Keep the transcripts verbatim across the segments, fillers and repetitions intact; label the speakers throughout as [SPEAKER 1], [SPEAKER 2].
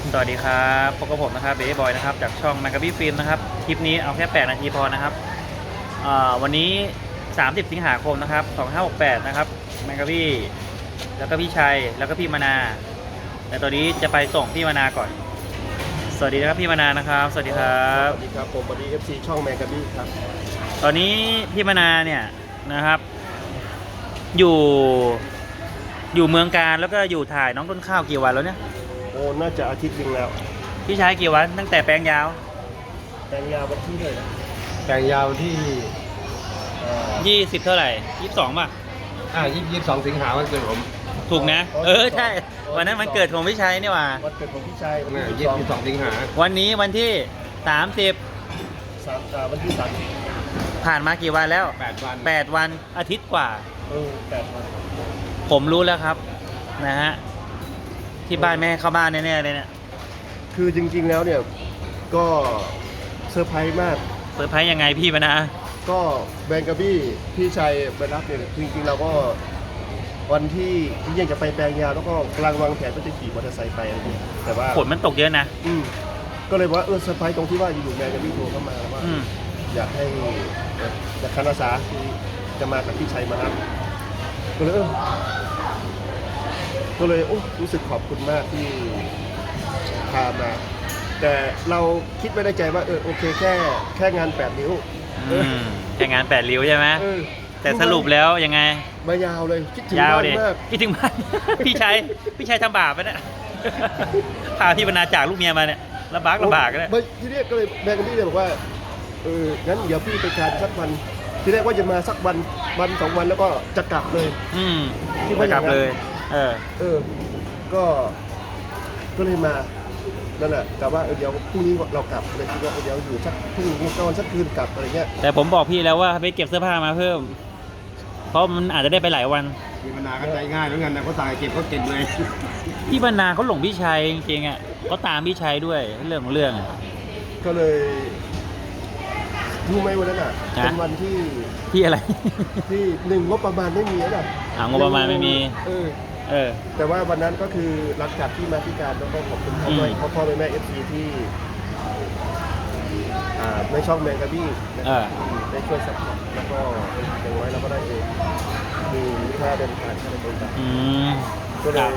[SPEAKER 1] สวัสดีครับพบกับผมนะครับเบย์บอยนะครับจากช่องแมกกาบี้ฟิล์มนะครับคลิปนี้เอาแค่แปดนาทีพอนะครับวันนี้สามสิบสิงหาคมนะครับสองพันห้าร้อยหกสิบแปดนะครับแมกกาบี้แล้วก็พี่ชัยแล้วก็พี่มนาแต่ตอนนี้จะไปส่งพี่มนาก่อนสวัสดีนะครับพี่มนานะครับสวัสดีครับ
[SPEAKER 2] สวัสดีครับผมวันนี้ เอฟ ซี ช่องแมกกาบี้ครับ
[SPEAKER 1] ตอนนี้พี่มนาเนี่ยนะครับอยู่อยู่เมืองการแล้วก็อยู่ถ่ายน้องต้นข้าวกี่วันแล้วเนี่ย
[SPEAKER 2] โอ้น่าจะอาทิตย์นึงแล้ว
[SPEAKER 1] พี่ชายกี่วันตั้งแต่แปลงยาว
[SPEAKER 2] แปลงยาววันที่เท่าไหร่แปลงยาวที่
[SPEAKER 1] ยี่สิบเท่าไหร่ยี่สิบสองป่ะ
[SPEAKER 2] อ่ายี่สิบสองสิงหาวันเกิดผม
[SPEAKER 1] ถูกนะเออใช่วันนั้นมันเกิดของพี่ชัยนี่หว่า
[SPEAKER 2] วันเกิดของพี่ชัยวันที่ยี่สิบสองสิงหา
[SPEAKER 1] วันนี้วันที่สามสิบ
[SPEAKER 2] สามอ่าวันที่สาม
[SPEAKER 1] ผ่านมากี่วันแล้ว
[SPEAKER 2] แปดวัน
[SPEAKER 1] แปดวันอาทิตย์กว่า
[SPEAKER 2] เออแปดวัน
[SPEAKER 1] ผมรู้แล้วครับนะฮะที่บ้านแม่เข้าบ้านแน่ๆเลยเนี่ย
[SPEAKER 2] คือจริงๆแล้วเนี่ยก็เซอร์ไพรส์มาก
[SPEAKER 1] เซอร์ไพรส์ยังไงพี่มานะ
[SPEAKER 2] ก็แบงกาบี้พี่ชัยไปรับเนี่ยจริงๆเราก็วันที่ที่ยังจะไปแปลงยาวแล้วก็กำลังวางแผนว่าจะขี่มอเตอร์ไซค์ไปอะไรเงี้ยแต่ว่า
[SPEAKER 1] ฝนมันตกเยอะนะ
[SPEAKER 2] อืมก็เลยว่าเออเซอร์ไพรส์ตรงที่ว่าอยู่ๆแบงกาบี้โทรเข้ามาว่าอยากให้จากคณะสาที่จะมากับพี่ชัยมารับก็เลยเออก็เลยโอ้รู้สึกขอบคุณมากที่พามาแต่เราคิดไว้ในใจว่าเออโอเคแค่แค่งานแปดนิ้ว
[SPEAKER 1] แค่งานแปดริ้วใช่ไหมแต่สรุปแล้วยังไง
[SPEAKER 2] มายาวเลยคิดถึงบ้านมาก
[SPEAKER 1] คิดถึงบ้านพี่ชัยพี่ชัยทำบาปไปนะพาพี่บรรณาจากลูกเมียมาเนี่ยลำบากลำบากเลย
[SPEAKER 2] ทีนี้ก็เลยแบงค์นี่เลยบอกว่าเอองั้นเดี๋ยวพี่ไปทานสักวันทีแรกว่าจะมาสักวันวันสองวันแล้วก็จะกลับเลย
[SPEAKER 1] อืมที่ว่ากลับเลยเออ
[SPEAKER 2] เออก็ก็เลยมานั่นแหละแต่ว่าเดี๋ยวพรุ่งนี้เรากลับเลยคิดว่าเดี๋ยวอยู่สักพรุ่งนี้นอนสักคืนกลับอะไรเงี้ย
[SPEAKER 1] แต่ผมบอกพี่แล้วว่าไปเก็บเสื้อผ้ามาเพิ่มเพราะมันอาจจะได้ไปหลายวัน
[SPEAKER 2] พี่บรรณาก็ใจง่ายแล้วกันนะเขาตายเก็บเขาเก็บเลย
[SPEAKER 1] พี่บรรณาเขาหลงพี่ชัยจริงๆอ่ะเขาตามพี่ชัยด้วยเรื่องของเรื่อง
[SPEAKER 2] ก็เลยรู้ไหมวันนั้นอ่ะเป็นวันที่
[SPEAKER 1] ที่อะไร
[SPEAKER 2] ที่หนึ่งงบประมาณไม่มีนะ
[SPEAKER 1] อ่างบประมาณไม่มี
[SPEAKER 2] เออ
[SPEAKER 1] เออ
[SPEAKER 2] แต่ว่าวันนั้นก็คือหลังจากที่มาที่การแล้วก็ขอบคุณพ่อแม่พ่อพ่อแม่แม่เอฟซีที่อ่าในช่องแมงกะบี้ได้ช่วยสนับสนุนแล้วก็อย่างน้อยเราก็ได้เองมีค่าเดินทางค่าเดินทางก็เลย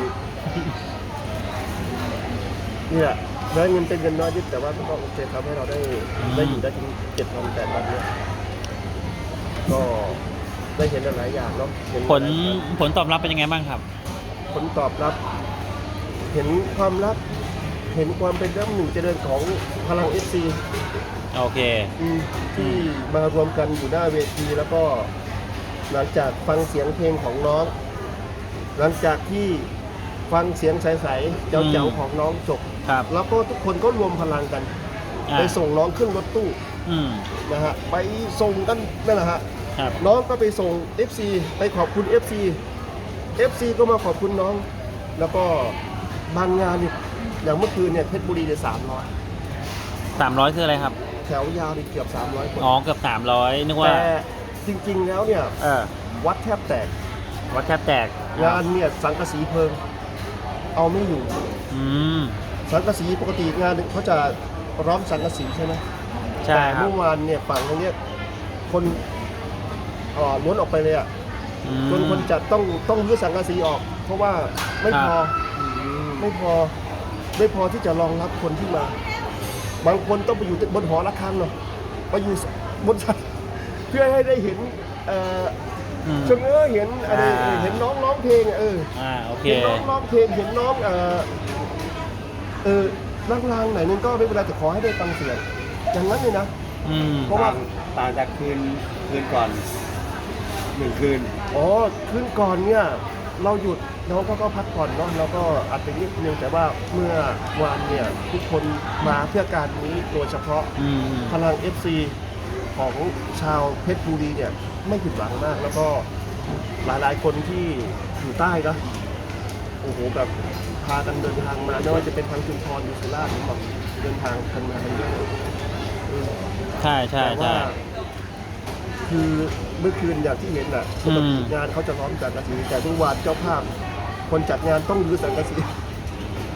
[SPEAKER 2] นี่แหละได้เงินเป็นเงินน้อยนิดแต่ว่าก็โอเคทำให้เราได้ได้อยู่ได้ถึงเจ็ดวันแปดวันเนี่ยก็ได้เห็นหลายอย่างเนาะ
[SPEAKER 1] ผลผลตอบรับเป็นยังไงบ้างครับ
[SPEAKER 2] ผลตอบรับเห็นความรักเห็นความเป็นน้ำหนึ่งเจริญของพลัง เอฟ ซี
[SPEAKER 1] โอเค
[SPEAKER 2] ที่มารวมกันอยู่หน้าเวทีแล้วก็หลังจากฟังเสียงเพลงของน้องหลังจากที่ฟังเสียงใสๆเจ๋วๆของน้องจบแล้วก็ทุกคนก็รวมพลังกันไปส่งน้องขึ้นรถตู้นะฮะไปส่งกันนั่นแหละฮะน้องก็ไปส่ง เอฟ ซี ไปขอบคุณ เอฟ ซี เอฟ ซี ก็มาขอบคุณน้องแล้วก็บางงานเนี่ยอย่างเมื่อคืนเนี่ยเพชรบุรีเนี่ยสามร้อย
[SPEAKER 1] สามร้อยคืออะไรครับ
[SPEAKER 2] แถวยาวนี่เกือบสามร้อยคน
[SPEAKER 1] อ๋อเกือบสามร้อยนึกว่า
[SPEAKER 2] แต่จริงๆแล้วเนี่ยวัดแทบแตก
[SPEAKER 1] วัดแทบแตก
[SPEAKER 2] งานเนี่ยสังกะสีเพลิงเอาไม่อยู่สังกะสีปกติงานเขาจะร้อมสังกะสีใช่ไหม
[SPEAKER 1] ใช่ครับ
[SPEAKER 2] เมื่อวานเนี่ยฝั่งตรงนี้คนอ๋อล้วนออกไปเลยอ่ะจนคนจะต้องต้องรื้อสังกะสีออกเพราะว่าไม่พอไม่พอไม่พอที่จะรองรับคนที่มาบางคนต้องไปอยู่บนหอระฆังเนาะไปอยู่บนเพื่อให้ได้เห็นเอ่อเชิงเออเห็นอะไรเห็นน้องร้องเพลงเออเห็นน้องร้องเพลงเห็นน้องเออเออลางๆไหนนึงก็ไม่เป็นไรแต่ขอให้ได้ฟังเสียงอย่างนั้นเลยนะเพราะว่า
[SPEAKER 3] ต่างจากคืนคืนก่อนหนึ่งคืน
[SPEAKER 2] อ๋อคืนก่อนเนี่ยเราหยุดน้องก็พักผ่อนเนาะแล้วก็อาจจะนิดนึงแต่ว่าเมื่อวานเนี่ยทุกคนมาเพื่อการนี้โดยเฉพาะพลัง เอฟ ซี ของชาวเพชรบุรีเนี่ยไม่ผิดหวังมากแล้วก็หลายๆคนที่อยู่ใต้นะโอ้โหแบบพากันเดินทางมาไม่ว่าจะเป็นทางชุมพรหรือสุราษฎร์แบบเดินทางกันมากันเยอะ
[SPEAKER 1] ใช่ใช่ใช่
[SPEAKER 2] คือเมื่อคืนอย่างที่เห็นน่ะปกติงานเขาจะร้อมสังกะสีแต่ทุกวันเจ้าภาพคนจัดงานต้องรื้อสังกะสี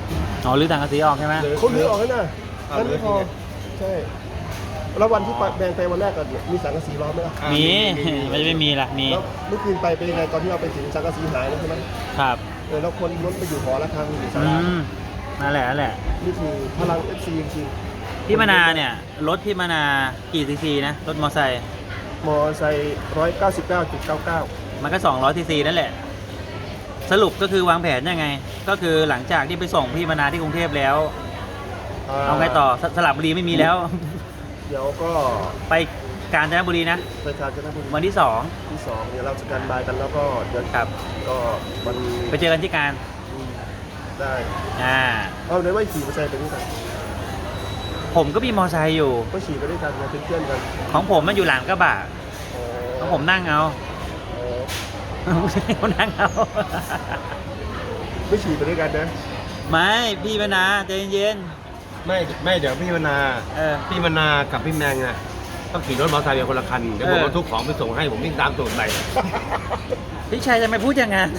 [SPEAKER 1] อ๋อรื้อถังกระสีออกใช่ไหม
[SPEAKER 2] เขาลื้อออกแล้วนะ
[SPEAKER 3] เอา
[SPEAKER 2] นั่นไม่พอ
[SPEAKER 3] ลื้อจริง
[SPEAKER 2] ใช่แล้ววันที่ไปแบงไปวันแรกก็มีสังกะสีล้อมไหมล่ะ
[SPEAKER 3] อ่า
[SPEAKER 1] มี
[SPEAKER 3] มีมี
[SPEAKER 1] ไม่ไม่มีล่ะมี
[SPEAKER 2] แล้วเมื่อคืนไปเป็นยังไงตอนที่เราไปถึงสังกะสีหายแล้วใช่ไหม
[SPEAKER 1] ครับ
[SPEAKER 2] เออแล้วคนล้นไปอยู่หอระฆังอยู่ศา
[SPEAKER 1] อื
[SPEAKER 2] ลาม
[SPEAKER 1] นั่นแหละนั่นแหละ
[SPEAKER 2] นี่คือพลัง เอฟ ซี จริงๆ
[SPEAKER 1] พี่มนาเนี่ยรถพี่มนากี่ซีซีนะรถมอไซค์
[SPEAKER 2] มอไซค์ร้อยเก้าสิบเก้าจุดเก้าเก้า
[SPEAKER 1] มันก็สองร้อยซีซีนั่นแหละ สรุปก็คือวางแผนยังไง ก็คือหลังจากที่ไปส่งพี่มนาที่กรุงเทพแล้ว เอาไงต่อสสระบุรีไม่มีแล้ว
[SPEAKER 2] เดี๋ยวก็
[SPEAKER 1] ไปกาญจนบุรีนะ
[SPEAKER 2] ไปกาญจนบุรี
[SPEAKER 1] วันที่สอง
[SPEAKER 2] ที่สองเดี๋ยวเราสแตนบายกันแล้วก็เดี๋ยว
[SPEAKER 1] ครับ
[SPEAKER 2] ก็มัน
[SPEAKER 1] ไปเจอกันที่การ
[SPEAKER 2] อืมได้
[SPEAKER 1] อ่า
[SPEAKER 2] เอาเดี๋ยวไม่ขี่มอเตอร์ไซค์ไปด้วยกัน
[SPEAKER 1] ผมก็มีมอไซค์อยู่
[SPEAKER 2] ก็ขี่ไปด้วยกันมาเป็นเพื่อนกัน
[SPEAKER 1] ของผมมันอยู่หลังกระบะ
[SPEAKER 2] อ๋อ
[SPEAKER 1] ของผมนั่งเอา
[SPEAKER 2] อ๋อ
[SPEAKER 1] ผมนั่งเอา
[SPEAKER 2] ไม่ขี่ไปด้วยกันนะ
[SPEAKER 1] ไม่พี่มนาใจเย็น
[SPEAKER 3] ไม่ไม่เดี๋ยวพี่มนา
[SPEAKER 1] ๆเออ
[SPEAKER 3] พี่มนากับพี่แมงอ่ะต้องขี่รถมอเตอร์ไซค์เป็นคนละคันเดี๋ยวผม
[SPEAKER 1] เออ
[SPEAKER 3] บรรทุกของไปส่งให้ผมวิ่งตามตูดไป
[SPEAKER 1] พี่ชัยจะไม่พูดอย่างนั้น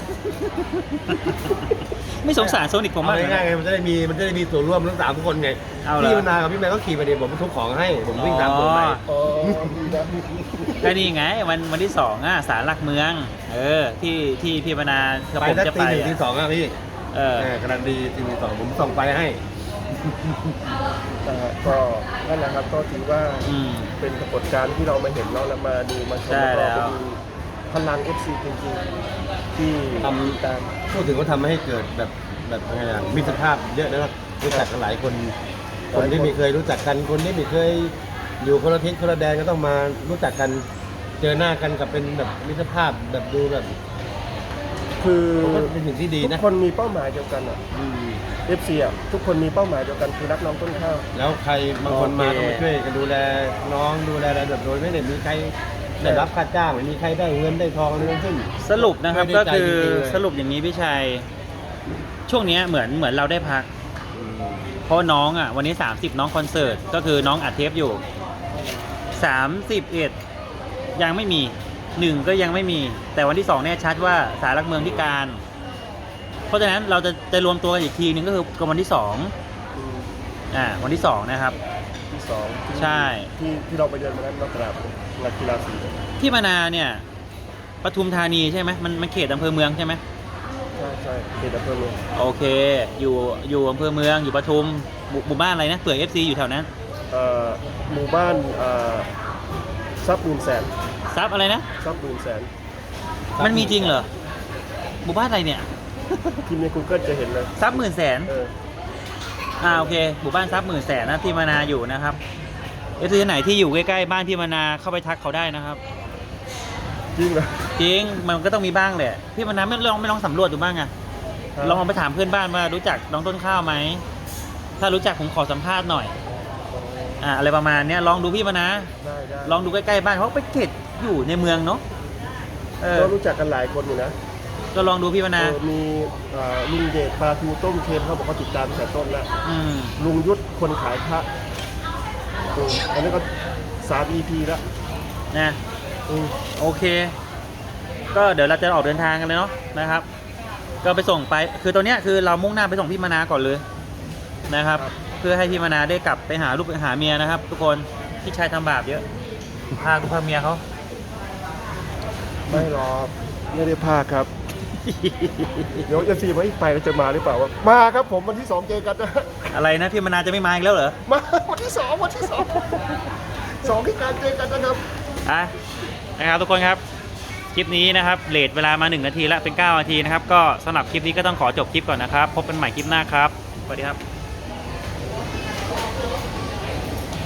[SPEAKER 1] ไม่สงสารโซนิกผมมาก
[SPEAKER 3] เอา
[SPEAKER 1] เลย
[SPEAKER 3] ง่ายๆไง
[SPEAKER 1] นะ
[SPEAKER 3] มันจะได้มีมันจะได้มีส่วนร่วมทั้งสามคนไง
[SPEAKER 1] เอาเหรอ
[SPEAKER 3] พี่มนากับพี่แมงก็ขี่ไปเดี๋ยวผมบรรทุกของให้ผมวิ่งตามตูดไป
[SPEAKER 2] อ๋อดีนะ
[SPEAKER 1] ก็นี่ไงวันวันที่สองอ่ะศาลหลักเมือง เออ ที่ที่พี่มนากับ
[SPEAKER 3] ไป
[SPEAKER 1] ผม
[SPEAKER 3] สัก
[SPEAKER 1] จะ
[SPEAKER 3] ตี
[SPEAKER 1] ไป
[SPEAKER 3] หนึ่ง
[SPEAKER 1] อะ
[SPEAKER 3] ตีสองอะพี่
[SPEAKER 1] เออ
[SPEAKER 3] เออกำลังดีตีหนึ่งตีสองผมส่งไปให้
[SPEAKER 2] นะฮะก็นั่นแหละครับก็ถือว่า
[SPEAKER 1] อืม
[SPEAKER 2] เป็นปรากฏการณ์ที่เรามาเห็นเนาะแล้วมาดูมาชม
[SPEAKER 1] ใช่
[SPEAKER 2] แล้ว
[SPEAKER 1] แล้
[SPEAKER 2] ก็
[SPEAKER 1] ว
[SPEAKER 2] เป็นพลัง เอฟ ซี จริงๆที่
[SPEAKER 3] ทำ
[SPEAKER 2] ตาม
[SPEAKER 3] พูดถึงว่าทำให้เกิดแบบแบบยังไงอะมิตรภาพเยอะนะครับรู้จักกันหลายคน คนที่ไม่เคยรู้จักกันคนที่ไม่เคยอยู่คนละทิศคนละแดนก็ต้องมารู้จักกันเจอหน้ากันกับเป็นแบบมิตรภาพแบบดูแบบ
[SPEAKER 2] คือ
[SPEAKER 3] ผมว่าเป็นสิ่งที่ดี
[SPEAKER 2] ทุ
[SPEAKER 3] นะ
[SPEAKER 2] กคนมีเป้าหมายเดียวกันอ่ะ
[SPEAKER 3] อืม
[SPEAKER 2] เอฟ ซี อ่ะทุกคนมีเป้าหมายเดียวกันคือรักน้องต้นข้าว
[SPEAKER 3] แล้วใครบางคนมาก็มาช่วยกันดูแลน้องดูแลอะไรแบบโดยไม่ได้มีใครได้รับค่าจ้างไม่มีใครได้เงินได้ทองอะไรทั้งสิ้น
[SPEAKER 1] สรุปนะครับ
[SPEAKER 3] ไม่
[SPEAKER 1] ก็
[SPEAKER 3] ได้ใจ
[SPEAKER 1] คือ
[SPEAKER 3] จริงๆเลย
[SPEAKER 1] สรุปอย่างนี้พี่ชัย ช่วงเนี้ยเหมือนเหมือนเราได้พัก
[SPEAKER 3] อืม
[SPEAKER 1] เพราะน้องอ่ะวันนี้สามสิบน้องคอนเสิร์ตก็คือน้องอัดเทปอยู่สามสิบเอ็ดยังไม่มีหนึ่งก็ยังไม่มี แต่วันที่สองแน่ชัดว่าศาลหลักเมืองที่การ เพราะฉะนั้นเราจะจะรวมตัวกันอีกทีนึงก็คือกับวันที่สอง
[SPEAKER 2] อืม
[SPEAKER 1] อ่าวันที่สองนะครับ
[SPEAKER 2] ที่สองที่
[SPEAKER 1] ใช่
[SPEAKER 2] ที่ที่เราไปเดินมานั้นเรากราบงานกีฬาสี
[SPEAKER 1] ที่มานาเนี่ยปทุมธานีใช่ไหมมันมันเขตอำเภอเมืองใช่ไหม
[SPEAKER 2] ใช่ใช่เขตอำเภอเมือง
[SPEAKER 1] โอเค อยู่อยู่อำเภอเมืองอยู่ปทุมหมู่หมู่บ้านอะไรนะเผื่อเอฟซีอยู่แถวนั้น
[SPEAKER 2] เอ่อหมู่บ้านเอ่อทรัพย์หมื่นแสน
[SPEAKER 1] ซับอะไรนะ
[SPEAKER 2] ทรัพย์หมื่นแสน
[SPEAKER 1] มันมีจริงเหรอหมู่บ้านอะไรเนี่ย
[SPEAKER 2] พิมพ์ใน Google จะเห็นเลย
[SPEAKER 1] ซับหมื่นแสน
[SPEAKER 2] เออ
[SPEAKER 1] อ่าโอเคหมู่บ้านซับหมื่นแสนนะที่มานาอยู่นะครับเอฟซีไหนที่อยู่ใกล้ๆบ้านที่มานาเข้าไปทักเขาได้นะครับ
[SPEAKER 2] จริงเหรอ
[SPEAKER 1] จริงมันก็ต้องมีบ้างแหละพี่มานาไม่ลองไม่ลองสำรวจดูบ้างอะ
[SPEAKER 2] ครับ
[SPEAKER 1] ลองเอาไปถามเพื่อนบ้านว่ารู้จักน้องต้นข้าวไหมถ้ารู้จักผมขอสัมภาษณ์หน่อยอ่าอะไรประมาณเนี้ยลองดูพี่มานา
[SPEAKER 2] ได้ได้
[SPEAKER 1] ลองดูใกล้ๆบ้านเพราะไปเขตอยู่ในเมืองเนาะเออ
[SPEAKER 2] ก็รู้จักกันหลายคนอยู่นะ
[SPEAKER 1] ก็ลองดูพี่มานา
[SPEAKER 2] เออมีเอ่อลุงเดชปลาทูต้มเค็มเขาบอกเขาติดตามตั้งแต่ต้นแล้ว
[SPEAKER 1] อืม
[SPEAKER 2] ลุงยุทธคนขายพระอืมอันนี้ก็สาม อี พี แล้ว
[SPEAKER 1] นะ
[SPEAKER 2] อืม
[SPEAKER 1] โอเค ก็เดี๋ยวเราจะออกเดินทางกันเลยเนาะนะครับ ก็ไปส่งไปคือตอนเนี้ยคือเรามุ่งหน้าไปส่งพี่มานาก่อนเลยนะครับ เพื่อให้พี่มานาได้กลับไปหาลูกไปหาเมียนะครับ ทุกคนพี่ชายทำบาปเยอะพาลูกพาเมียเขา
[SPEAKER 2] ไม่หรอกไม่ได้พาครับ เดี๋ยวจะซีไว้ไปแล้วจะมาหรือเปล่าวะมาครับผมวันที่สองเจอกันนะ
[SPEAKER 1] อะไรนะพี่มานาจะไม่มาอีกแล้วเหรอ
[SPEAKER 2] มาวันที่สองวันที่สองสองที่การเจอกันนะครับ
[SPEAKER 1] อ่ะนะครับทุกคนครับคลิปนี้นะครับเลทเวลามาหนึ่งนาทีละเป็นเก้านาทีนะครับก็สำหรับคลิปนี้ก็ต้องขอจบคลิปก่อนนะครับพบกันใหม่คลิปหน้าครับสวัสดีครับ